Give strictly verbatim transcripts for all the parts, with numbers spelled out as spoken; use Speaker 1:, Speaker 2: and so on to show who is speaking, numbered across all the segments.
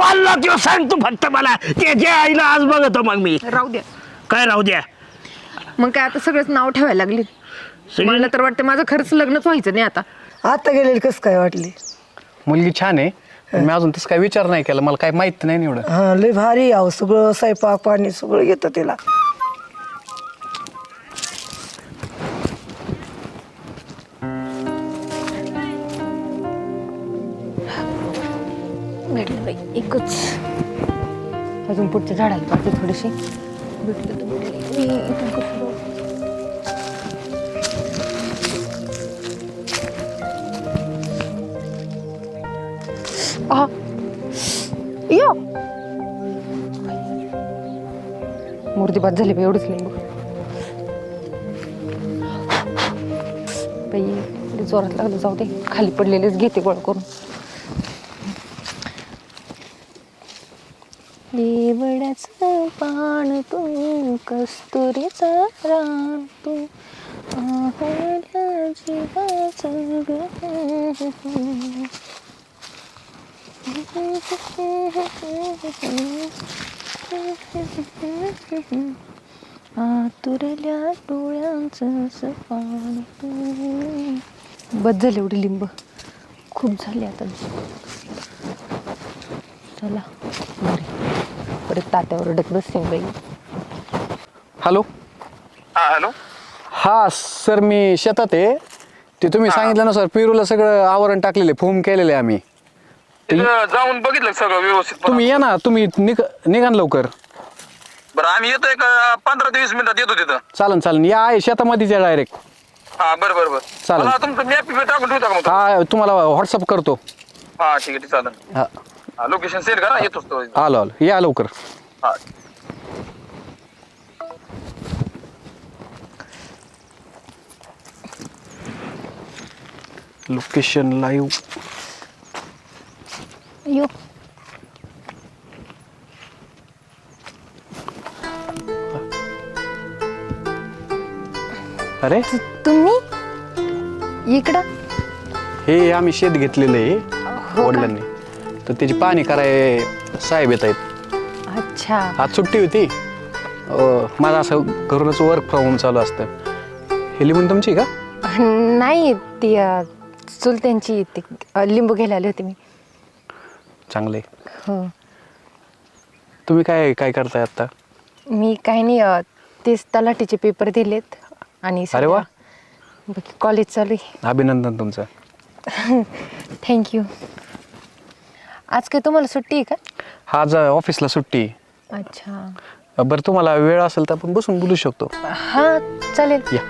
Speaker 1: बोललो किंवा सांग तू फक्त मला त्याच्या आईला आज बघतो मग मी.
Speaker 2: राहू द्या.
Speaker 1: काय राहू द्या?
Speaker 2: मग काय आता सगळंच नाव ठेवायला लागली. मला तर वाटतं माझं खरंच लग्नच व्हायचं नाही आता.
Speaker 3: आता गेलेली कस काय वाटली?
Speaker 4: मुलगी छान आहे पण मी अजून तसं काय विचार नाही केला, मला काय माहित नाही एवढं.
Speaker 3: हा लय भारी आहो, सगळं स्वयंपाक पाणी सगळं येतं तिला.
Speaker 2: भेटलं बाई एकच. अजून पुढच्या झाडाला पाहिजे थोडीशी. भेटलं तर भेटलं. मी इथून कसं जाऊ? आहा. यो मूर्ती बाद झाली बाई, एवढंच लिंबू. बाई लई जोरात लागलं, जाऊ दे. खाली पडलेलेच घेते गोळा करून. देवड्याचं पान तू, कस्तुरीचा रान तू, आहोल्या जीवाचं ग. आतुरल्या डोळ्यांचं असं पान तू. बस झाली एवढी लिंब, खूप झाली आता. चला बरे, परत तात्यावर अडक बसते बाई.
Speaker 4: हॅलो.
Speaker 5: हा हॅलो.
Speaker 4: हा सर मी शेतात आहे. ते तुम्ही सांगितलं ना सर, पेरूला सगळं आवरण टाकलेले, फोम केलेले आम्ही.
Speaker 5: तिथं जाऊन बघितलं सगळं व्यवस्थित.
Speaker 4: तुम्ही या ना, तुम्ही निघ निघा ना लवकर.
Speaker 5: बरं आम्ही येतो एक पंधरा ते वीस मिनिटात येतो तिथं.
Speaker 4: चालन चालन, या आहे शेतामध्येच या डायरेक्ट.
Speaker 5: हा बरं बरं बरं
Speaker 4: चालेल.
Speaker 5: मला तुमचं मॅप टाकून ठेवता का मग?
Speaker 4: हा तुम्हाला व्हॉट्सअप करतो.
Speaker 5: हा ठीक आहे चालेल.
Speaker 4: हा
Speaker 5: लोकेशन सेंड करा, येतोच तो.
Speaker 4: आलो आलो, या लवकर.
Speaker 5: हा
Speaker 4: लोकेशन लाईव्ह.
Speaker 2: यो
Speaker 4: अरे
Speaker 2: तुम्ही इकडं?
Speaker 4: हे आम्ही शेत घेतलेलं आहे वडिलांनी, तर त्याची पाहणी कराय साहेब येत आहेत.
Speaker 2: अच्छा.
Speaker 4: आज सुट्टी होती. अं, माझं असं घरूनच वर्क फ्रॉम होम चालू असतं. हे लिहून तुमची का?
Speaker 2: नाही ती अ, चुलत्यांची ती अ, लिंबू घ्यायला आली होती मी.
Speaker 4: चांगले.
Speaker 2: हो.
Speaker 4: तुम्ही काय काय करताय आता?
Speaker 2: मी काही नाही अ, तेच तलाठीचे पेपर दिलेत आणि
Speaker 4: अरे वा.
Speaker 2: बाकी कॉलेज चालू आहे.
Speaker 4: अभिनंदन तुमचं.
Speaker 2: थँक्यू. आज काय तुम्हाला सुट्टी आहे का?
Speaker 4: हा आज ऑफिसला सुट्टी.
Speaker 2: अच्छा.
Speaker 4: बरं तुम्हाला वेळ असेल तर आपण बसून बोलू शकतो.
Speaker 2: हां चालेल.
Speaker 4: या.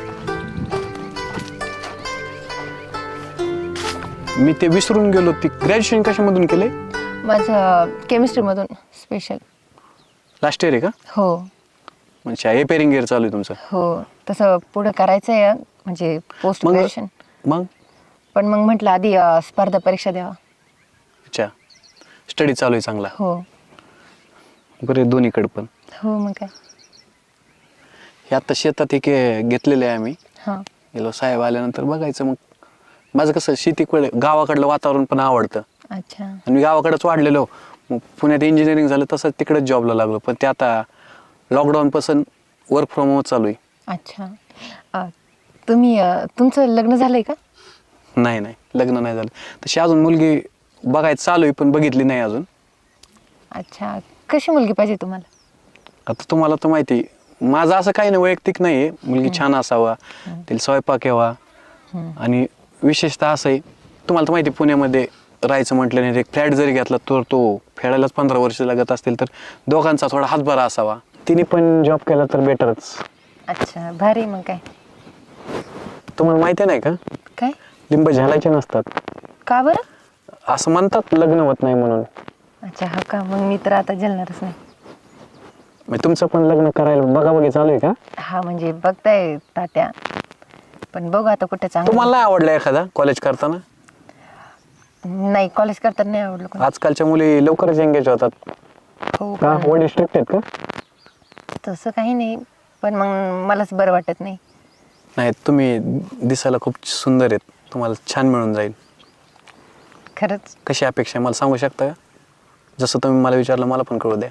Speaker 4: मी ते विसरून गेलो. ती ग्रॅज्युएशन कशामधून केलंय?
Speaker 2: माझं केमिस्ट्रीमधून स्पेशल.
Speaker 4: लास्ट इयर आहे का?
Speaker 2: हो
Speaker 4: म्हणजे ए पेरिंग इयर चालू आहे तुमचं?
Speaker 2: हो. तसं पुढं करायचं आहे म्हणजे पोस्ट
Speaker 4: मग
Speaker 2: ग्रॅज्युएशन.
Speaker 4: मग
Speaker 2: पण मग म्हटलं आधी अ, स्पर्धा परीक्षा द्यावा.
Speaker 4: अच्छा, स्टडी चालू आहे चांगला.
Speaker 2: हो
Speaker 4: बरे दोन्हीकडे पण.
Speaker 2: हो. मग काय.
Speaker 4: हे आता शेतात एक घेतलेलं आहे आम्ही.
Speaker 2: हां.
Speaker 4: गेलो साहेब आल्यानंतर बघायचं. मग माझं कसं शेतीकडे गावाकडलं वातावरण पण आवडतं.
Speaker 2: अच्छा.
Speaker 4: आणि मी गावाकडेच वाढलेलो. मग पुण्यात इंजिनिअरिंग झालं तसंच तिकडेच जॉबला लागलो. पण ते आता लॉकडाऊनपासून वर्क फ्रॉम होम चालू आहे.
Speaker 2: अच्छा. अ, तुम्ही अ, तुमचं लग्न झालंय का?
Speaker 4: नाही नाही लग्न नाही झालं. तशी अजून मुलगी बघायचं चालू आहे पण बघितली नाही अजून.
Speaker 2: अच्छा. कशी मुलगी पाहिजे तुम्हाला?
Speaker 4: आता तुम्हाला तर माहिती माझं असं काही नाही, वैयक्तिक नाही आहे. मुलगी छान असावा, तिला स्वयंपाक यावा. आणि विशेषतः असं आहे, तुम्हाला तर माहिती पुण्यामध्ये राहायचं म्हटलं नाही, एक फ्लॅट जरी घेतला तर तो फेडायलाच पंधरा वर्ष लागत असतील, तर दोघांचा थोडा हातभारा असावा. तिने पण जॉब केला तर बेटरच.
Speaker 2: अच्छा भारी. मग काय.
Speaker 4: तुम्हाला माहिती नाही का,
Speaker 2: काय
Speaker 4: लिंब झालायचे नसतात.
Speaker 2: का बरं?
Speaker 4: असं म्हणतात लग्न होत नाही म्हणून.
Speaker 2: अच्छा. हा का. मग मी तर आता जलणारच नाही.
Speaker 4: मग तुमचं पण लग्न करायला बघा बघी चालू आहे का?
Speaker 2: हा म्हणजे बघताय तात्या, पण बघू आता कुठे चांगलं.
Speaker 4: तुम्हाला नाही आवडलं एखादा कॉलेज करताना?
Speaker 2: नाही कॉलेज करताना नाही आवडलं कोणी.
Speaker 4: आजकालच्या मुली लवकरच एंगेज होतात.
Speaker 2: हो
Speaker 4: का
Speaker 2: पण
Speaker 4: वडील स्ट्रिक्ट आहेत का?
Speaker 2: तसं काही नाही, पण मग मलाच बरं वाटत नाही.
Speaker 4: नाही तुम्ही दिसायला खूप सुंदर आहेत, तुम्हाला छान मिळून जाईल.
Speaker 2: खरंच?
Speaker 4: कशी अपेक्षा आहे मला सांगू शकता का? जसं तुम्ही मला विचारलं मला पण कळू द्या.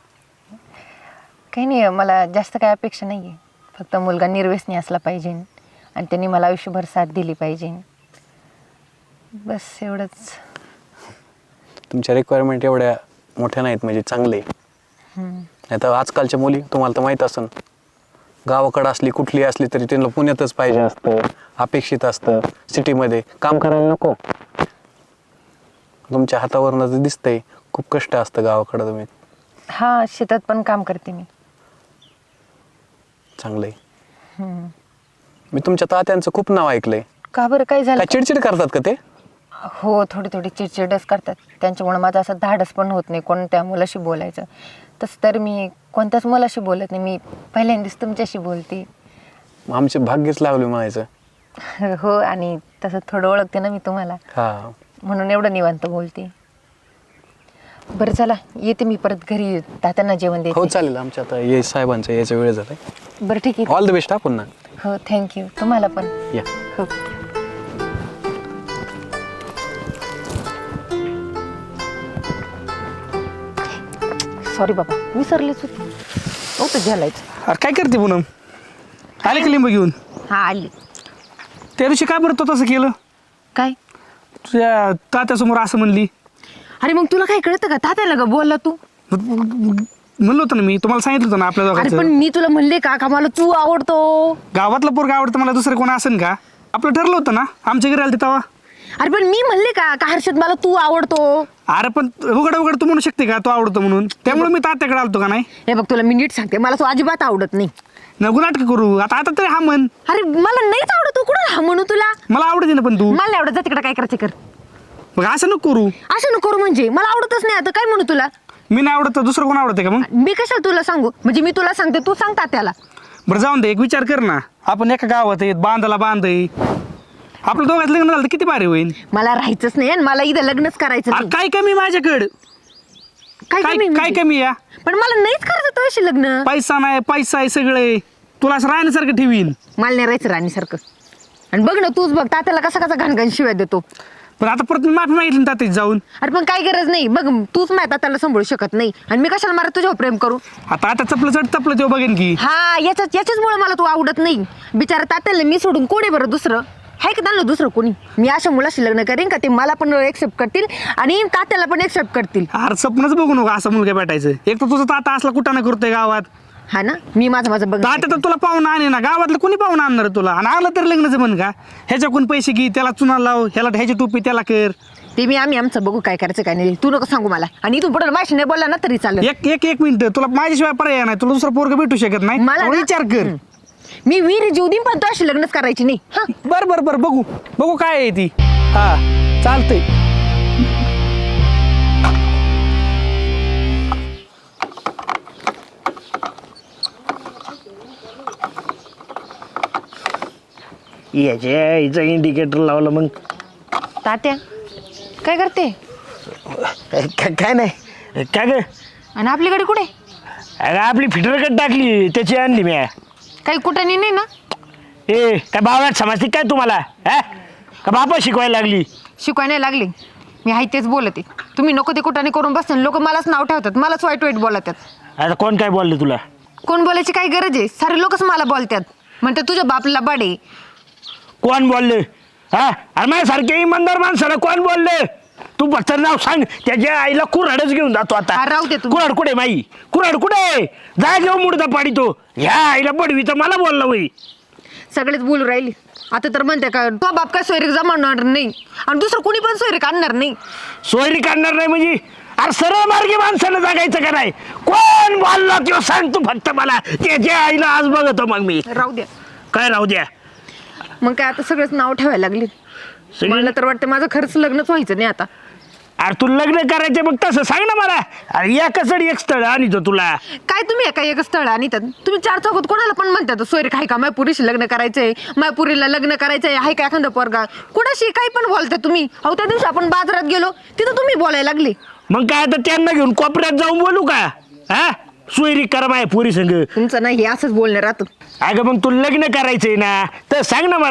Speaker 2: काही नाही, मला जास्त काही अपेक्षा नाही आहे. फक्त मुलगा निर्व्यसनी असला पाहिजे आणि त्यांनी मला आयुष्यभर साथ दिली पाहिजे, बस एवढंच.
Speaker 4: तुमच्या रिक्वायरमेंट एवढ्या मोठ्या नाहीत म्हणजे चांगले. नाही तर आजकालच्या मुली तुम्हाला तर माहीत असेल, गावाकडं असली कुठली असली तरी त्यांना पुण्यातच पाहिजे असतं, अपेक्षित असतं. सिटीमध्ये काम करायला नको. तुमच्या हातावरनं तर दिसतंय खूप कष्ट असतं गावाकडं. तुम्ही
Speaker 2: हां, शेतात पण काम करते मी.
Speaker 4: चांगलं आहे. मी तुमच्या तात्यांचं खूप नाव ऐकलंय.
Speaker 2: का बरं, काय झालं?
Speaker 4: काय चिडचिड करतात का ते?
Speaker 2: हो, थोडी थोडी चिडचिडच करतात. त्यांच्यामुळे माझं असं धाडस पण होत नाही कोणत्या मुलाशी बोलायचं. तसं तर मी कोणत्याच मुलाशी बोलत नाही. मी पहिल्यांदाच तुमच्याशी बोलते.
Speaker 4: आमचे भाग्यच लावले म्हणायचं.
Speaker 2: हो, आणि तसं थोडं ओळखते ना मी तुम्हाला,
Speaker 4: हा,
Speaker 2: म्हणून एवढं निवांत बोलते. बरं चला, येते मी परत घरी, तात्यांना जेवण
Speaker 4: हो
Speaker 2: देते.
Speaker 4: चालेल. आमच्या आता ये साहेबांचा यायचा वेळ झालाय.
Speaker 2: बरं ठीक आहे.
Speaker 4: ऑल द बेस्ट हा पुन्हा.
Speaker 2: हो, थँक्यू. तुम्हाला पण.
Speaker 4: या.
Speaker 2: हो. सॉरी बाबा, विसरलीच होती. नव्हतं घ्यायचं.
Speaker 1: अरे काय करते पूनम? आले का लिंब घेऊन?
Speaker 2: हा, आली.
Speaker 1: त्या दिवशी काय बरं तो तसं केलं?
Speaker 2: काय?
Speaker 1: तुझ्या तात्यासमोर असं म्हणली.
Speaker 2: अरे मग तुला काय कळतं का? तात्याला का बोलला तू?
Speaker 1: म्हणलं होतं ना मी, तुम्हाला सांगितलं होतं ना आपल्या
Speaker 2: अरे पण
Speaker 1: दोघांचं.
Speaker 2: मी तुला म्हणले का का मला तू आवडतो?
Speaker 1: गावातलं पोरगा आवडतं, मला दुसरं कोण असेल का? आपलं ठरलं होतं ना आमच्या घरी आलं तेव्हा.
Speaker 2: अरे पण मी म्हणले का का हर्षद मला तू आवडतो?
Speaker 1: अरे पण उघड उघड तू म्हणू शकते का तो आवडतो म्हणून? त्यामुळे मी तात्याकडे आलतो का नाही?
Speaker 2: हे बघ, तुला मी नीट सांगते, मला तू अजिबात आवडत नाही.
Speaker 1: नको नाटक करू. आता आता तरी हा म्हण.
Speaker 2: अरे मला नाहीच आवडत. तू कुठं हा म्हणू तुला?
Speaker 1: मला आवडते ना, पण तू
Speaker 2: मला नाही आवडत. जा तिकडे, काय करायचं कर.
Speaker 1: मग असं नको करू.
Speaker 2: असं नको करू म्हणजे मला आवडतच नाही. आता काय म्हणू तुला?
Speaker 1: मी नाही आवडत तर दुसरं कोण आवडते का मग?
Speaker 2: मी कशाला तुला सांगू? म्हणजे मी तुला सांगते, तू सांगता त्याला.
Speaker 1: बरं जाऊन दे, एक विचार कर ना. आपण एका गावात आहेत, बांधाला बांध आहे. आपलं दोघात लग्न झालं तर किती भारी होईल.
Speaker 2: मला राहायचंच नाही आणि मला इथं लग्नच करायचं
Speaker 1: अरे
Speaker 2: नाही.
Speaker 1: काय कमी माझ्याकडं?
Speaker 2: काय
Speaker 1: काय
Speaker 2: कमी
Speaker 1: काय
Speaker 2: म्हणजे?
Speaker 1: कमी या?
Speaker 2: पण मला नाहीच करायचं तुझ्याशी लग्न.
Speaker 1: पैसा नाही, पैसा आहे सगळे. तुला असं राहण्यासारखं ठेवीन.
Speaker 2: मला नाही राहायचं राणीसारखं. आणि बघ ना, तूच बघ तात्याला कसा कसा घाणघाण शिवाय देतो.
Speaker 1: पण आता परत मी माफी मागितली ना तात्याची जाऊन.
Speaker 2: अरे पण काय गरज नाही. बघ, तूच माझ्या तात्याला सांभाळू शकत नाही आणि मी कशाला मारा तुझ्यावर प्रेम करू?
Speaker 1: आता आता चपलं चढ चपलं तेव्हा बघेन की.
Speaker 2: हा, याच्याच याच्याचमुळे मला तू आवडत नाही. बिचारा तात्याला मी सोडून कोण आहे बरं दुसरं? आहे का त्यांना दुसरं कोणी? मी अशा मुलाशी लग्न करेन का ते मला पण एक्सेप्ट करतील आणि तात्याला पण एक्सेप्ट करतील.
Speaker 1: अरे स्वप्नच बघू नको असं मुलगा भेटायचं. एक तर तुझं ताता असला कुठं ना करतोय गावात.
Speaker 2: हा ना, मी माझं माझं बघ.
Speaker 1: तात्या तर तुला पाहून आणे ना, गावातलं कोणी पाहून आणणार आहे तुला? आणि आलं तर लग्नाचं म्हण का? ह्याच्याकडून पैसे घे, त्याला चुना लाव, ह्याला ह्याची टोपी त्याला कर.
Speaker 2: ते मी आम्ही आमचं बघू काय करायचं काय नाही. तू नको सांगू मला. आणि इथून पुढे माझ्याशी नाही बोलला ना तरी चालेल.
Speaker 1: एक एक एक मिनिट, तुला माझ्याशिवाय पर्याय नाही. तुला दुसरा पोरगा भेटू शकत नाही.
Speaker 2: मला
Speaker 1: एवढा
Speaker 2: ना-
Speaker 1: विचार कर.
Speaker 2: हं. मी वीर जीव देईन पण तो अशी लग्नच करायची नाही. हा,
Speaker 1: बर बर बर, बघू बघू काय आहे ती. हा चालतंय.
Speaker 6: याच्या हिचं इंडिकेटर लावलं मग.
Speaker 2: तात्या काय करते?
Speaker 6: का- काय नाही काय ग?
Speaker 2: आणि आपली गाडी कुठे?
Speaker 6: अगं आपली फिटरकट टाकली, त्याची आणली मी.
Speaker 2: काही कुठं नाही ना?
Speaker 6: ए काय बावळ्यात समजते काय तुम्हाला? हा का बापा शिकवायला लागली?
Speaker 2: शिकवाय नाही लागली. मी आहे तेच बोलते. तुम्ही नको ते कुठाने करून बसते. लोक मलाच नाव ठेवतात, मलाच वाईट वाईट बोलतात.
Speaker 6: आता कोण काय बोललं तुला?
Speaker 2: कोण बोलायची काय गरज आहे? सारे लोकच मला बोलतात. म्हणतात तुझ्या बापला बाडे.
Speaker 6: कोण बोललं? हा अरे माझ्यासारख्या इमानदार माणसाला कोण बोललं? तू फक्त नाव सांग, त्याच्या आईला कुऱ्हाडच घेऊन जातो आता.
Speaker 2: हा, राहू दे तुम्ही.
Speaker 6: कुऱ्हाड कुठे माई? कुऱ्हाड कुठे? जा घेऊ मुडदा पाडी तो. ह्या आईला बडवी तर मला बोलला वय.
Speaker 2: सगळेच बोलू राहिली. आता तर म्हणते का तो बाप काय सोयरीक जमावणार नाही आणि दुसरं कोणी पण सोयरीक आणणार नाही.
Speaker 6: सोयरी काढणार नाही म्हणजे? अरे सरळ मार्गी माणसानं जगायचं का नाही? कोण बोलला किंवा सांग तू फक्त मला. त्याच्या आईला आज बघतो मग मी.
Speaker 2: राहू द्या.
Speaker 6: काय राहू द्या?
Speaker 2: मग काय आता सगळंच नाव ठेवायला लागली.
Speaker 6: सगळं-
Speaker 2: मला तर वाटतं माझं खरंच लग्नच व्हायचं नाही आता.
Speaker 6: अरे तू लग्न करायचं मग तसं सांग ना मला. अरे एकच एक स्थळ आणि तो तुला.
Speaker 2: काय तुम्ही एका एक स्थळ आणि तुम्ही चार चौकात कोणाला पण म्हणतात सोयरीक आहे का? मायपुरीशी लग्न करायचंय, मायपुरीला लग्न करायचंय, आहे का एखादा पोरगा? कुणाशी काही पण बोलता तुम्ही. अहो त्या दिवशी आपण बाजारात गेलो तिथं तुम्ही बोलायला लागले.
Speaker 6: मग काय आता त्यांना घेऊन कोपऱ्यात जाऊन बोलू का? हा सोयरी करा माय पोरी संग.
Speaker 2: तुमचं नाही हे असंच बोलणं राहतं.
Speaker 6: अगं मग तू लग्न करायचंय ना तर सांग ना मला.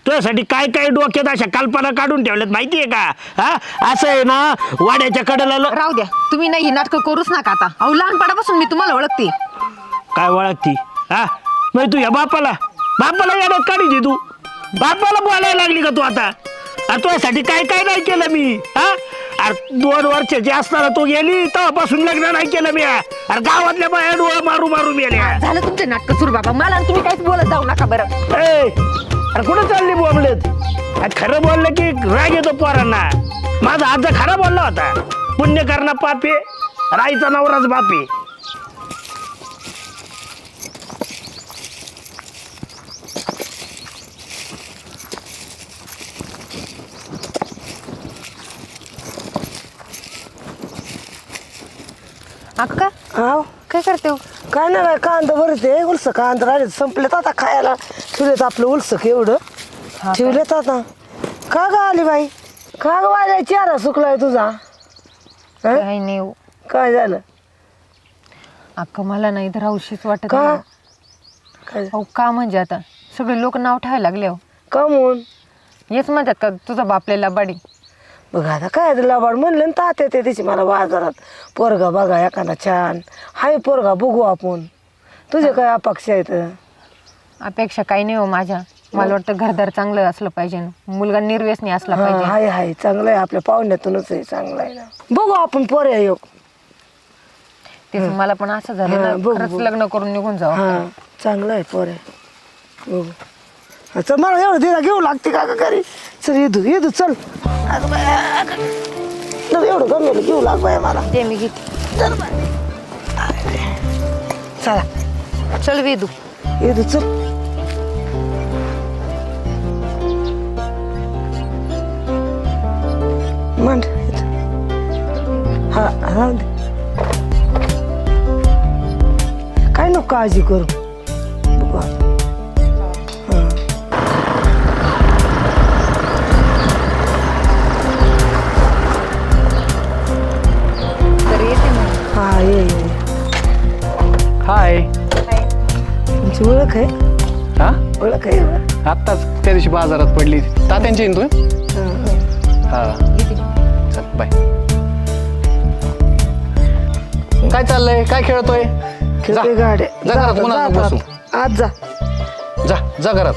Speaker 6: तुझ्यासाठी काय काय डोक्यात अशा कल्पना काढून ठेवल्यात माहितीये का? हा असं आहे ना, वाड्याच्या कडेला ल-
Speaker 2: राहू द्या, तुम्ही नाही ही नाटकं करूच नका आता. अहो लहानपणापासून मी तुम्हाला ओळखते.
Speaker 6: काय ओळखती? हा मग तू या बापाला बापाला येण्यात काढीची तू? बापाला बोलायला लागली का तू आता? अरे तुझ्यासाठी काय काय नाही केलं मी? हा अरे दोन वर्षाची असताना तू गेली तेव्हापासून लग्न नाही केलं मी. अरे गावातल्या बाया डोळा मारू मारू मेल्या.
Speaker 2: झालं तुमचे नाटकं सुरू बाबा, मला आणि तुम्ही काहीच बोलत जाऊ नका बरं.
Speaker 6: ए, अरे कुठं चालली बोंबलेत? अरे खरं बोललं की राग येतो पोरांना. माझा आजा खरा बोलला होता, पुण्य करणं पापे, राईचा नवराच बापे.
Speaker 2: अक्का
Speaker 3: हा
Speaker 2: काय करते हो?
Speaker 3: काय नाही बाय, कांदा भरते उलस कांदा राहिले संपलेत आता खायला. ठेवलेत आपलं उलसक एवढं ठेवलेत आता. का ग आली बाई? का ग वाल्या चेहरा सुकलाय तुझा? हं?
Speaker 2: काही नाही हो.
Speaker 3: काय झालं?
Speaker 2: अक्का मला नाही तर हौशीच वाटत
Speaker 3: का?
Speaker 2: नाही.
Speaker 3: काय
Speaker 2: अहो का म्हणजे आता सगळे लोक नाव ठेवायला लागले हो.
Speaker 3: कमून?
Speaker 2: हेच म्हणतात का तुझा बापलेला बाडी?
Speaker 3: बघ आता काय लबाड म्हणलं ना तात्या ते तिची मला बाजारात. पोरगा बघा एखादा छान हाय पोरगा बघू आपण. तुझे काय अपेक्षा आहेत?
Speaker 2: अपेक्षा काही नाही हो माझ्या. मला वाटतं घरदार चांगलं असलं पाहिजे, मुलगा निर्व्यसनी असला
Speaker 3: हा,
Speaker 2: पाहिजे.
Speaker 3: हाय हाय चांगलं आहे, आपल्या पाहुण्यातूनच आहे, चांगलं आहे ना. बघू आपण पोऱ्या येऊ.
Speaker 2: तेच मला पण असं झालं
Speaker 3: हा,
Speaker 2: ना,
Speaker 3: बघू,
Speaker 2: खरंच
Speaker 3: बघू.
Speaker 2: लग्न करून निघून जाऊ.
Speaker 3: हा चांगलं आहे पोऱ्या. बघू. हा, चल मला एवढं दिला घेऊ लागते का ग घरी? चल येदू येदू चल. अगं बाया, अगं. चल एवढं गमेल घेऊ लाग बाया मला.
Speaker 2: ते मी घेते.
Speaker 3: चल बाय. चला
Speaker 2: चल वेदू.
Speaker 3: येदू चल. मांड इथं. हा राहून दे. काय नको काळजी करू. बघू आता. हा.
Speaker 2: तर येते मग.
Speaker 3: हा ये ये.
Speaker 4: हाय.
Speaker 3: तुमची ओळख आहे?
Speaker 4: हा
Speaker 3: ओळख आहे का?
Speaker 4: आत्ताच त्या दिवशी बाजारात पडली तात्यांची येईन तू.
Speaker 3: हा, हा.
Speaker 4: हा चल बाय. काय चाललंय? काय खेळतोय?
Speaker 3: खेळते गाड्या.
Speaker 4: जा घरात,
Speaker 3: जा,
Speaker 4: कोणाला
Speaker 3: जा,
Speaker 4: बसू.
Speaker 3: जा. आज जा.
Speaker 4: जा जा घरात.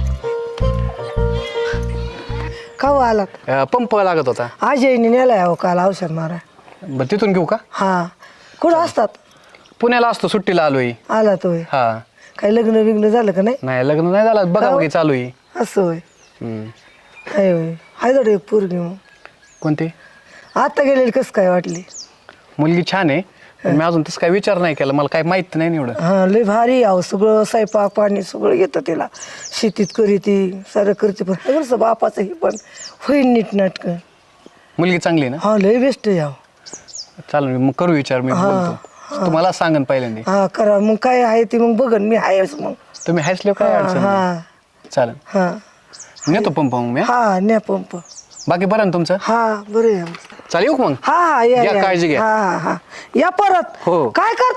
Speaker 3: का हो आलात?
Speaker 4: अं, पंप लागत होता.
Speaker 3: आज येईन नेलाय अहो काल औषध मारा.
Speaker 4: बरं तिथून घेऊ का?
Speaker 3: हा कुठं असतात?
Speaker 4: पुण्याला असतो, सुट्टीला आलोय.
Speaker 3: आला तो होय.
Speaker 4: हा
Speaker 3: काही लग्न बिग्न झालं का नाही?
Speaker 4: नाही लग्न नाही झालं, बघा बघी चालू आहे.
Speaker 3: असं होय.
Speaker 4: हम्म.
Speaker 3: हाय होय. हाय जोड एक पोरगी मग.
Speaker 4: कोणती
Speaker 3: आता गेलेली कसं काय वाटली?
Speaker 4: मुलगी? छान आहे, पण मी अजून तसं काय विचार नाही केला, मला काय माहित नाही ना एवढं.
Speaker 3: हा लय भारी आहो, सगळं स्वयंपाक पाणी सगळं येतं तिला. शेतीत करीती सारं करते, पण कसं बापाचं हे पण होईल नीट नाटकं.
Speaker 4: मुलगी चांगली आहे ना?
Speaker 3: हा लय बेस्ट आहे अहो.
Speaker 4: चालेल मग करू विचार, मी बोलतो. तुम्हाला सांगन पहिल्यांदा.
Speaker 3: हा करा मग काय आहे ते मग बघन मी आहेच मग.
Speaker 4: तुम्ही हसले काय
Speaker 3: हा
Speaker 4: अडचण नाही.
Speaker 3: हा
Speaker 4: चालेल
Speaker 3: हा
Speaker 4: नेतो पंप मग मी.
Speaker 3: हा न्या पंप.
Speaker 4: बाकी बरं ना तुमचं?
Speaker 3: हा बरं आहे आमचं.
Speaker 4: चालेल येऊ का मग?
Speaker 3: हा हा या
Speaker 4: घ्या,
Speaker 3: या.
Speaker 4: काळजी घ्या.
Speaker 3: हा हा हा या परत.
Speaker 4: हो.
Speaker 3: काय